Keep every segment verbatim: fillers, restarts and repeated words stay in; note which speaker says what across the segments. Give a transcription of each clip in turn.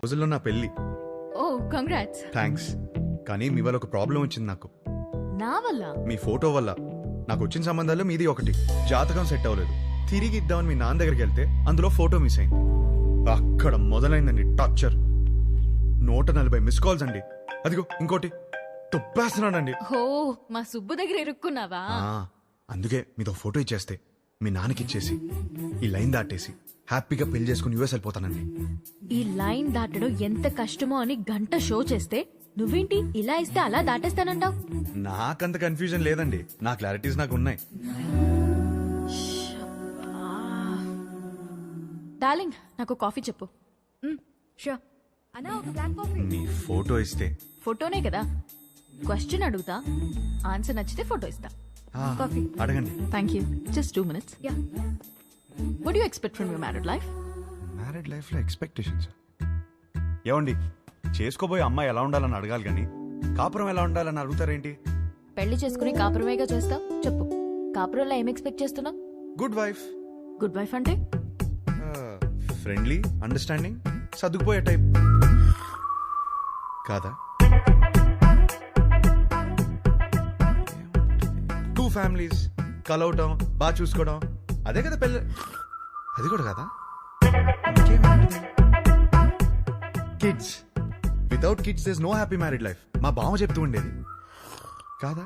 Speaker 1: రోజుల్లో నా పెళ్లి.
Speaker 2: ఓ కంగ్రాట్స్.
Speaker 1: థ్యాంక్స్. కానీ మీ వల్ల ఒక ప్రాబ్లం వచ్చింది నాకు.
Speaker 2: నా వల్ల?
Speaker 1: మీ ఫోటో వల్ల. నాకు వచ్చిన సంబంధాల్లో మీది ఒకటి. జాతకం సెట్ అవ్వలేదు. తిరిగి ఇద్దామని మీ నాన్న దగ్గరికి వెళ్తే అందులో ఫోటో మిస్ అయింది. అక్కడ మొదలైందండి టార్చర్. నూట నలభై మిస్ కాల్స్ అండి. అదిగో ఇంకోటి తుప్పేస్తున్నాడండి.
Speaker 2: ఓ మా సుబ్బు దగ్గర ఇరుక్కున్నావా?
Speaker 1: అందుకే మీతో ఫోటో ఇచ్చేస్తే మీ నాన్నకి ఇచ్చేసి ఈ లైన్ దాటేసి హ్యాపీగా పెళ్లి చేసుకుని యూఎస్ వెళ్ళిపోతానండి.
Speaker 2: ఈ లైన్ దాటడం ఎంత కష్టమో అని గంట షో చేస్తే నువ్వేంటి ఇలా ఇస్తే అలా దాటేస్తానంటావు?
Speaker 1: నాకంత కన్ఫ్యూజన్ లేదండి. నా క్లారిటీస్ నాకు ఉన్నాయి.
Speaker 2: డార్లింగ్ నాకు కాఫీ చెప్పు.
Speaker 3: షూర్ అన్నా, ఒక బ్లాక్ కాఫీ.
Speaker 1: నీ ఫోటో ఇస్తే?
Speaker 2: ఫోటోనే కదా. క్వశ్చన్ అడుగుతా, ఆన్సర్ నచ్చితే ఫోటో ఇస్తా.
Speaker 3: కాఫీ
Speaker 1: అడగండి.
Speaker 2: Thank you. Just two minutes.
Speaker 3: Ya.
Speaker 2: What do you expect from your married life?
Speaker 1: Married life లో ఎక్స్పెక్టేషన్స్ ఏమండి? చేసుకోబోయే అమ్మాయి ఎలా ఉండాలని అడగాలి కానీ కాపురం ఎలా ఉండాలని అడుగుతారేంటి?
Speaker 2: పెళ్లి చేసుకుని కాపురమేగా చేస్తావు. చెప్పు, కాపురంలో ఏం ఎక్స్పెక్ట్ చేస్తున్నావు?
Speaker 1: Good wife.
Speaker 2: గుడ్ వైఫ్ అంటే
Speaker 1: ఫ్రెండ్లీ, అండర్స్టాండింగ్, సర్దుకుపోయే టైప్ కాదా? టూ ఫ్యామిలీస్ కలవటం, బాగా చూసుకోవడం, అదే కదా పెళ్ళి. అది కూడా కాదా? Kids. Without kids there is no happy married life. మా బావ చెప్తూ ఉండేది కాదా?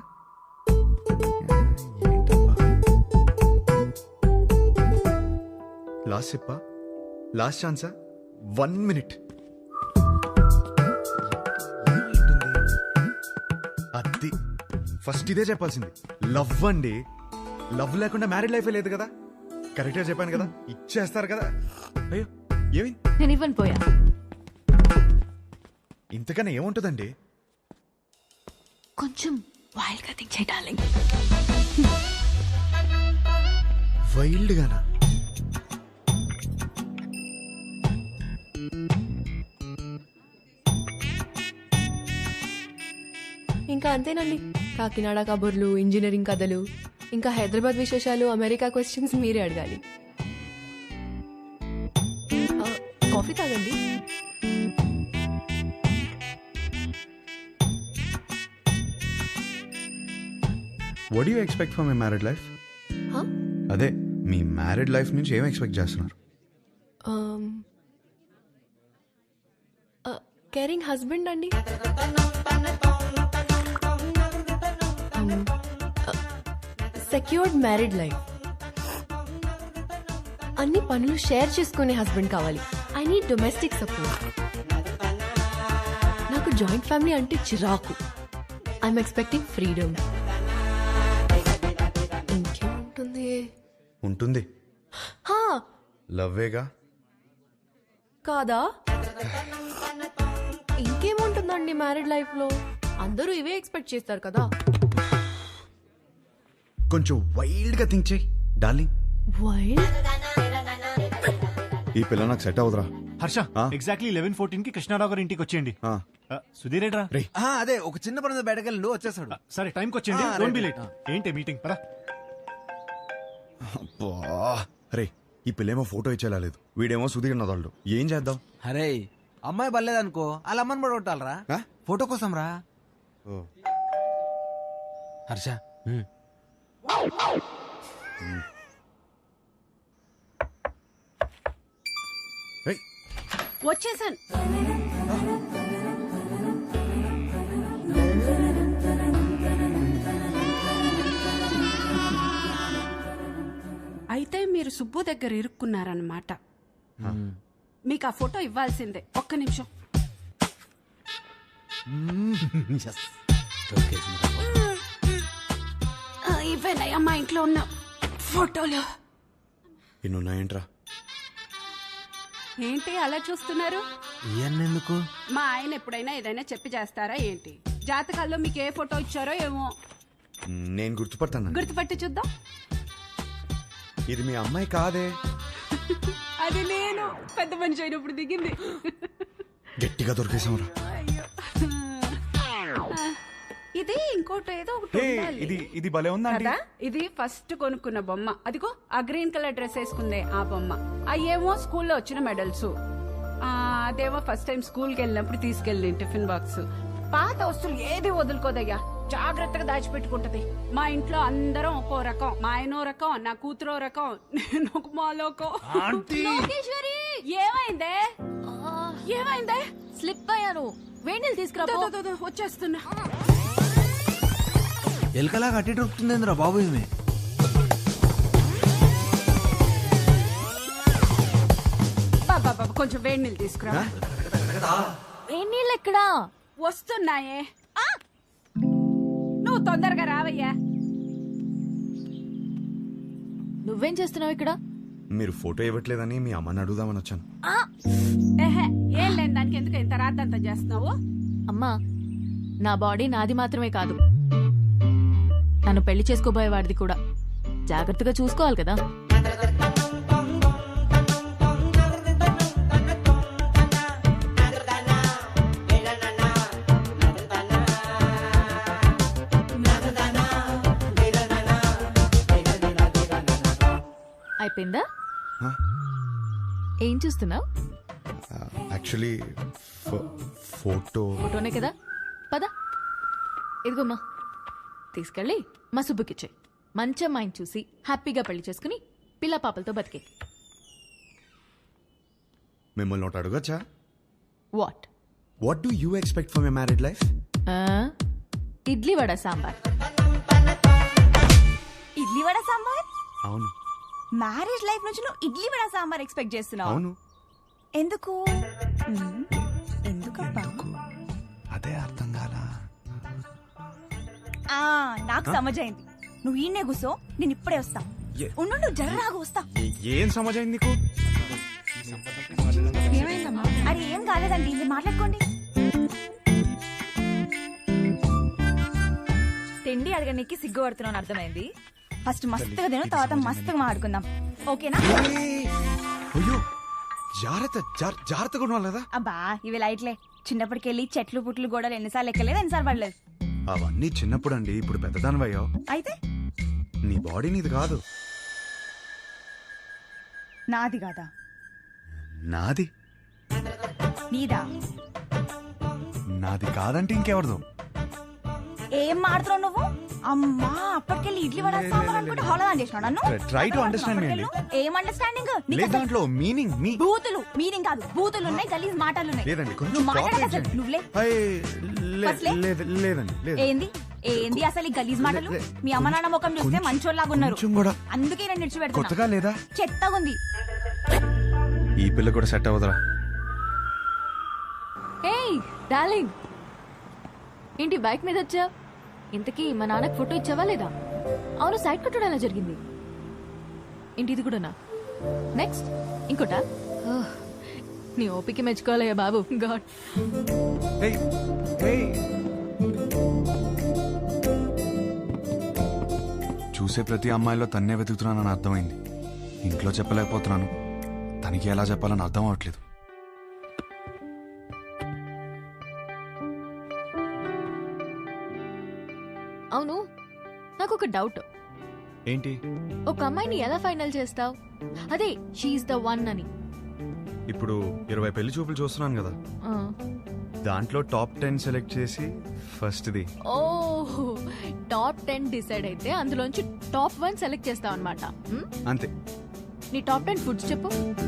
Speaker 1: లాస్ట్ చెప్పా, లాస్ట్ ఛాన్సా? One minute. అది ఫస్ట్ ఇదే చెప్పాల్సింది. లవ్ అండి. లవ్ లేకుండా మ్యారీడ్ లైఫే లేదు కదా. కరెక్ట్ గా చెప్పాను కదా. ఇచ్చేస్తారు కదా. అయ్యో ఏమి
Speaker 2: నేను ఇవ్వను పోయా.
Speaker 1: ఇంతకన్నా ఏముంటుందండి?
Speaker 2: కొంచెం వైల్డ్ గా థింక్ చేయి డార్లింగ్.
Speaker 1: వైల్డ్ గానా?
Speaker 3: ఇంకా అంతేనండి. కాకినాడ కబుర్లు, ఇంజనీరింగ్ కథలు, ఇంకా హైదరాబాద్ విశేషాలు, అమెరికా క్వశ్చన్స్ మీరే అడగాలి. ఆ, కాఫీ తాగండి.
Speaker 1: What do you expect from my married life?
Speaker 3: హా?
Speaker 1: అదే మీ మ్యారీడ్ లైఫ్ నుంచి ఏం ఎక్స్పెక్ట్ చేస్తున్నారు?
Speaker 3: కేరింగ్ హస్బెండ్ అండి. Secured married life. అన్ని పనులు షేర్ చేసుకునే హస్బెండ్ కావాలి. I need domestic support. నాకు జాయింట్ ఫ్యామిలీ అంటే చిరాకు. I'm expecting freedom. ఇంకేముంటుంది?
Speaker 1: ఉంటుంది.
Speaker 3: హా,
Speaker 1: లవ్వేగా.
Speaker 3: కాదా? ఇంకేముంటుందండి మ్యారీడ్ లైఫ్ లో? అందరూ ఇవే ఎక్స్పెక్ట్ చేస్తారు కదా.
Speaker 1: కొంచెం వైల్డ్ గా థింక్ చేయి డార్లింగ్.
Speaker 3: వైల్డ్?
Speaker 1: ఈ పిల్ల నాకు సెట్ అవుదరా.
Speaker 4: హర్ష, ఎగ్జాక్ట్లీ లెవెన్ ఫోర్టీన్ కి కృష్ణారావు గారి ఇంటికి వచ్చేయండి. సుధీర్ ఏడ్రా?
Speaker 5: అదే ఒక చిన్న పని బయటకెళ్ళి వచ్చేస్తాడు.
Speaker 4: సరే టైంకి వచ్చేయండి. Don't be late. ఏంటి మీటింగ్? పరా.
Speaker 1: అరే ఈ పిల్లేమో ఫోటో ఇచ్చేలా లేదు, వీడేమో సుధీర్ నదాళ్ళు. ఏం చేద్దాం?
Speaker 5: అరే అమ్మాయి బలేదనుకో, వాళ్ళ అమ్మని కూడా కొట్టాలరా ఫోటో కోసం రా. హర్ష
Speaker 6: వచ్చేసాను. అయితే మీరు సుబ్బు దగ్గర ఇరుక్కున్నారన్నమాట. మీకు ఆ ఫోటో ఇవ్వాల్సిందే. ఒక్క నిమిషం. ఇవేనయ్యా మా ఇంట్లో ఉన్న ఫోటోలు.
Speaker 1: ఇన్నున్నాయంట్రా.
Speaker 6: ఏంటి అలా చూస్తున్నారు?
Speaker 5: ఎందుకు?
Speaker 6: మా ఆయన ఎప్పుడైనా ఏదైనా చెప్పి చేస్తారా ఏంటి? జాతకాల్లో మీకు ఏ ఫోటో ఇచ్చారో ఏమో.
Speaker 1: నేను గుర్తుపడతాను.
Speaker 6: గుర్తుపట్టి చూద్దాం.
Speaker 1: ఇది మీ అమ్మాయి కాదే.
Speaker 6: అది నేను పెద్ద మనిషి అయినప్పుడు దిగింది.
Speaker 1: గట్టిగా దొరికేసాంరా.
Speaker 6: ఇది ఇంకోటి ఏదో ఒకటి ఉండాలి.
Speaker 4: ఇది ఇది భలే ఉందా
Speaker 6: కదా? ఇది ఫస్ట్ కొనుక్కున్న బొమ్మ. అదిగో ఆ గ్రీన్ కలర్ డ్రెస్ వేసుకుందే ఆ బొమ్మ. అయ్యేమో స్కూల్లో వచ్చిన మెడల్స్. ఆ, అదేమో ఫస్ట్ టైం స్కూల్కి వెళ్ళినప్పుడు తీసుకెళ్ళి టిఫిన్ బాక్స్. పాత వస్తువులు ఏది వదులుకోదయ్యా, జాగ్రత్తగా దాచిపెట్టుకుంటది. మా ఇంట్లో అందరం ఒక్కో రకం. మా ఆయనో రకం, నా కూతురో రకం, నేను ఒక మాలోకం.
Speaker 2: లోకేశ్వరి
Speaker 6: ఏమైందే ఏమైందే?
Speaker 2: స్లిప్ అయ్యాను. వేణీలు తీసుకురా
Speaker 6: దో,
Speaker 2: పో.
Speaker 6: దో, దో, వచ్చేస్తున్నా.
Speaker 5: ఎలకలా కట్టి దొరుకుతుందేంద్రా బాబు ఈమె.
Speaker 6: బాబా బాబా కొంచెం వేడి నీళ్ళు తీసుకురా.
Speaker 2: వేణీళ్ళు ఎక్కడా?
Speaker 6: వస్తున్నాయే. ఆ! నువ్వు తొందరగా రావయ్యా.
Speaker 2: నువ్వేం చేస్తున్నావు ఇక్కడ?
Speaker 1: మీరు ఫోటో ఇవ్వట్లేదని మీ అమ్మని అడుగుదామని వచ్చాను.
Speaker 2: ఆ!
Speaker 6: ఏహే, ఏం లేని దానికి ఎందుకు ఇంత రాద్దంతా చేస్తున్నావు?
Speaker 2: అమ్మా, నా బాడీ నాది మాత్రమే కాదు, నన్ను పెళ్లి చేసుకోబోయేవాడిది కూడా. జాగ్రత్తగా చూసుకోవాలి కదా. అయిపోయిందా?
Speaker 1: హ?
Speaker 2: ఏం చూస్తున్నావు?
Speaker 1: Actually photo.
Speaker 2: ఫోటోనే కదా, పద. ఇదిగోమ్మా, తీసుకెళ్ళి మా సుబ్బుకిచ్చే. మంచి అమ్మాయిని చూసి హ్యాపీగా పెళ్లి చేసుకుని పిల్ల పాపలతో బతికే.
Speaker 1: మిమ్మల్ని ఒకటి అడగచ్చా?
Speaker 2: What?
Speaker 1: What do you expect for my married life?
Speaker 2: Idli vada sambar.
Speaker 7: Idli vada sambar?
Speaker 1: అవును
Speaker 7: మ్యారేజ్ లైఫ్ నుంచి నువ్వు ఇడ్లీ వడ సాంబార్ ఎక్స్పెక్ట్ చేస్తున్నావు?
Speaker 1: అవును.
Speaker 7: ఎందుకు? మ్మ్. ఎందుకబ్బా?
Speaker 1: అదే అర్థం కాలా.
Speaker 7: ఆ, నాకు సమజైంది. నువ్వు ఈయనే కూసో, నేను ఇప్పుడే వస్తా.
Speaker 1: ఏ-
Speaker 7: ఉండు నువ్వు జర్రాగా వస్తా.
Speaker 1: ఏ- ఏం సమాజం నీకు?
Speaker 7: అరే ఏం కాలేదండి, ఇది మాట్లాడుకోండి. తిండి అడగడానికి సిగ్గుపడుతున్నాను అర్థమైంది. ఫస్ట్ మస్తుగా తిను, తర్వాత మస్తుగా మాట్లాడుకుందాం, ఓకేనా?
Speaker 1: ఏయ్! అయ్యో జాగ్రత్త, జార్- జాగ్రత్తగా ఉండాలి కదా.
Speaker 7: అబ్బా ఇవి లైట్లే. చిన్నప్పటికెళ్ళి చెట్లు పుట్లు గోడలు ఎన్నిసార్లు ఎక్కలేదు, ఎన్నిసార్లు పడలేదు.
Speaker 1: అవన్నీ చిన్నప్పుడు అండి, ఇప్పుడు పెద్దదానివయ్యావు.
Speaker 7: అయితే
Speaker 1: నీ బాడీ నీది కాదు.
Speaker 7: నాది కాదా?
Speaker 1: నాది.
Speaker 7: నీదా?
Speaker 1: నాది కాదంటే ఇంకెవరిదో.
Speaker 7: ఏం మాడుతున్నావు నువ్వు? అమ్మా అప్పటికెళ్ళి ఇడ్లీ వడ సాంబార్ అనుకుంటే హోళదాన్ చేసినావు నన్ను.
Speaker 1: Try- try to understand me అండి.
Speaker 7: ఏం అండర్స్టాండింగ్?
Speaker 1: లేదు దాంట్లో మీనింగ్ మీ
Speaker 7: బూతులు మీనింగ్ కాదు, బూతులు ఉన్నాయి, గలీజ్ మాటలు ఉన్నాయి.
Speaker 1: లేదండి కొంచెం
Speaker 7: నువ్వు మాట్లాడక
Speaker 1: cooperate
Speaker 7: అసలు
Speaker 1: చేయండి.
Speaker 7: నువ్వులే.
Speaker 1: అయ్, లే-
Speaker 7: అసలే?
Speaker 1: లేదు లేదండి లేదు.
Speaker 7: ఏంది ఏంది అసలు ఈ గలీజ్ మాటలు?
Speaker 1: లే-
Speaker 7: మీ అమ్మ నాన్న ముఖం చూస్తే
Speaker 1: కొంచెం-
Speaker 7: మంచోళ్ళలాగా ఉన్నారు,
Speaker 1: కొంచెం కూడా
Speaker 7: అందుకే నేను నిడిచిపెడుతున్నా.
Speaker 1: కొత్తగా లేదా?
Speaker 7: చెత్తగా ఉంది.
Speaker 1: ఈ పిల్ల కూడా సెట్ అవ్వదురా.
Speaker 2: ఏయ్ డార్లింగ్, ఏంటి బైక్ మీద వచ్చా? ఇంతకీ మా నాన్నకు ఫోటో ఇచ్చావా లేదా? అవును, సైడ్ కొట్టడం ఎలా జరిగింది? ఏంటి ఇది కూడానా? నెక్స్ట్ ఇంకోటా? ఓహ్, నీ ఓపిక మెచ్చుకోవాలయ్యా బాబు. గాడ్.
Speaker 1: ఏయ్, ఏయ్. చూసే ప్రతి అమ్మాయిలో తన్నే వెతుకుతున్నానని అర్థమైంది. ఇంట్లో చెప్పలేకపోతున్నాను, తనకి ఎలా చెప్పాలని అర్థం అవట్లేదు.
Speaker 2: అవును, నాకు ఒక డౌట్.
Speaker 1: ఏంటి?
Speaker 2: ఒక అమ్మాయిని ఎలా ఫైనల్ చేస్తావు? అదే షీఈ్ ద వన్ అని.
Speaker 1: ఇప్పుడు ఇరవై పెళ్లి చూపులు చూస్తున్నాను కదా,
Speaker 2: ఆ.
Speaker 1: దాంట్లో టాప్ టెన్ సెలెక్ట్ చేసి ఫస్ట్ది.
Speaker 2: ఓ, టాప్ టెన్ డిసైడ్ అయితే అందులోంచి టాప్ వన్ సెలెక్ట్ చేస్తావు అనమాట.
Speaker 1: అంతే.
Speaker 2: నీ టాప్ టెన్ ఫుడ్స్ చెప్పు.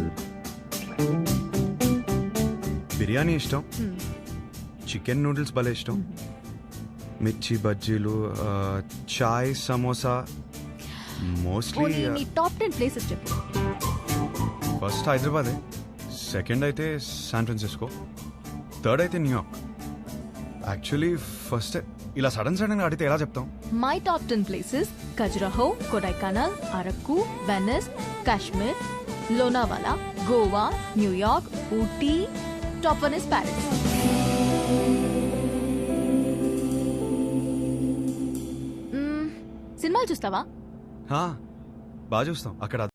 Speaker 1: బిర్యానీ ఇష్టం,
Speaker 2: Hmm.
Speaker 1: చికెన్ నూడిల్స్ భలే ఇష్టం, మిర్చి బజ్జీలు, ఆ, చాయ్, సమోసా. మోస్ట్లీ
Speaker 2: పోనీ నీ టాప్ టెన్ ప్లేసెస్ చెప్పు.
Speaker 1: ఫస్ట్ హైదరాబాదే, సెకండ్ అయితే శాన్ ఫ్రాన్సిస్కో, థర్డ్ అయితే న్యూయార్క్. యాక్చువల్లీ ఫస్ట్ ఇలా సడన్ సడన్ గా అడిగితే ఎలా చెప్తాం?
Speaker 2: My top ten places: Khajuraho, Kodaikanal, Araku, Venice, Kashmir, Lonavala, Goa, New York, Ooty. Top one is Paris. సినిమాలు చూస్తావా?
Speaker 1: హా, బాగా చూస్తాం. అక్కడ